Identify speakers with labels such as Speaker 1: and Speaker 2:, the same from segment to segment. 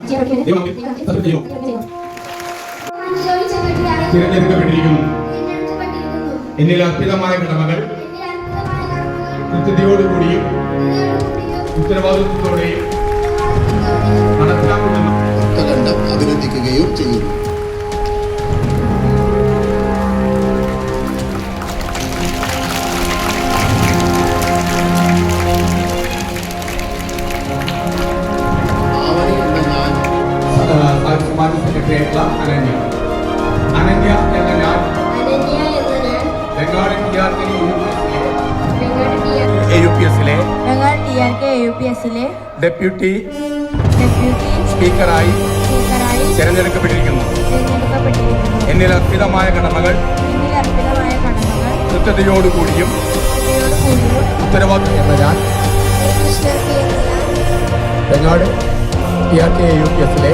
Speaker 1: തിരഞ്ഞെടുക്കപ്പെട്ടിരിക്കുന്നു. എന്നിൽ അർപ്പിതമായ കടമകൾ കൃത്യതയോടുകൂടിയും ഉത്തരവാദിത്വത്തോടെയും നടപ്പിലാക്കുമെന്നും
Speaker 2: അഭിനന്ദിക്കുകയും ചെയ്യുന്നു.
Speaker 1: സമാജ സെക്രട്ടറിയായിട്ടുള്ള അനന്യ എന്ന ഞാൻ ബംഗാൾ AUPSലെ ഡെപ്യൂട്ടി സ്പീക്കറായി തിരഞ്ഞെടുക്കപ്പെട്ടിരിക്കുന്നു. എന്നിൽ അർപ്പിതമായ കടമകൾ കൃത്യതയോടുകൂടിയും ഉത്തരവാദിത്വം എന്ന ഞാൻ ബംഗാൾ TRK AUPSലെ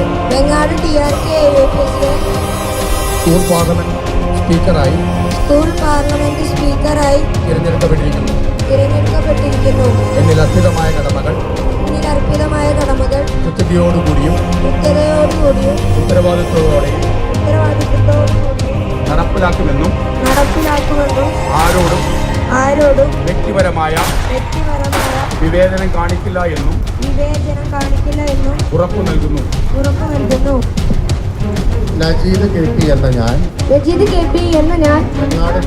Speaker 1: സ്കൂൾ പാർലമെന്റ് സ്പീക്കറായി തിരഞ്ഞെടുക്കപ്പെട്ടിരിക്കുന്നു. എന്നിൽ അർപ്പിതമായ കടമകൾ കൃത്യതയോടുകൂടിയും ഉത്തരവാദിത്വത്തോടെയും നടപ്പിലാക്കുമെന്നും ആരോടും വ്യക്തിപരമായ വിവേചനം കാണിക്കില്ല എന്നും ഉറപ്പു നൽകുന്നു.
Speaker 2: നജീദ് KP എന്ന ഞാൻ ബംഗാൾ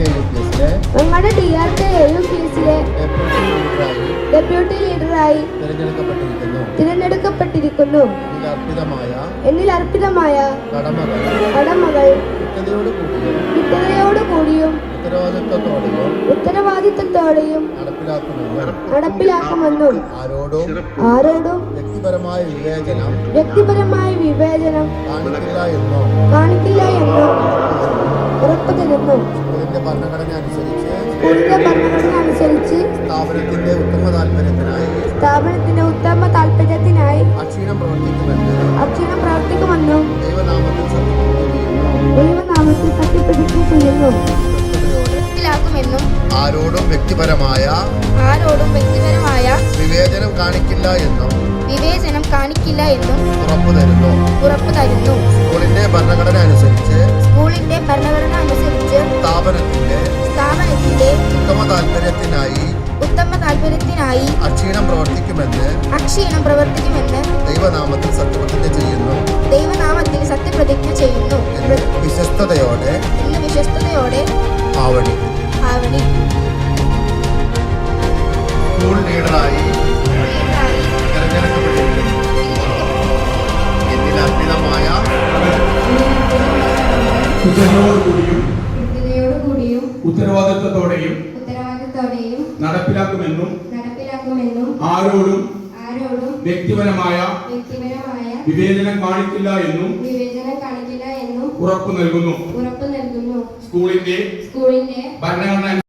Speaker 2: TRK AUPSലെ ഡെപ്യൂട്ടി ലീഡറായി തിരഞ്ഞെടുക്കപ്പെട്ടിരിക്കുന്നു. എന്നിൽ അർപ്പിതമായ കടമകൾ കൃത്യതയോടുകൂടിയും ഉത്തരവാദിത്വത്തോടെയും നടപ്പിലാക്കുമെന്നും ആരോടും വ്യക്തിപരമായ വിവേചനം കാണിക്കില്ല എന്നും ഉറപ്പു തരുന്നു. സ്കൂളിന്റെ ഭരണഘടന അനുസരിച്ച് സ്ഥാപനത്തിന്റെ ഉത്തമ താല്പര്യത്തിനായി അക്ഷീണം പ്രവർത്തിക്കുമെന്നും ദൈവനാമത്തിൽ സത്യപ്രതിജ്ഞ ചെയ്യുന്നു. ആരോടും വ്യക്തിപരമായ വിവേചനം കാണിക്കില്ല എന്നും ഉറപ്പു തരുന്നു. സ്കൂളിന്റെ ഭരണഘടന അനുസരിച്ച് സ്ഥാപനത്തിന്റെ ഉത്തമ താല്പര്യത്തിനായി അക്ഷീണം പ്രവർത്തിക്കുമെന്ന് ദൈവനാമത്തിൽ സത്യപ്രതിജ്ഞ ചെയ്യുന്നു. വിശ്വസ്തയോടെ ആവണി. സ്കൂൾ ലീഡറായി തിരഞ്ഞെടുക്കപ്പെട്ടിരിക്കുന്നു. എന്നിൽ അർപ്പിതമായ
Speaker 1: കൃത്യതയോടുകൂടിയും ഉത്തരവാദിത്വത്തോടെയും നടപ്പിലാക്കുമെന്നും ആരോടും വ്യക്തിപരമായ വിവേചനം കാണിക്കില്ല എന്നും ഉറപ്പു നൽകുന്നു. സ്കൂളിന്റെ ഭരണഘടന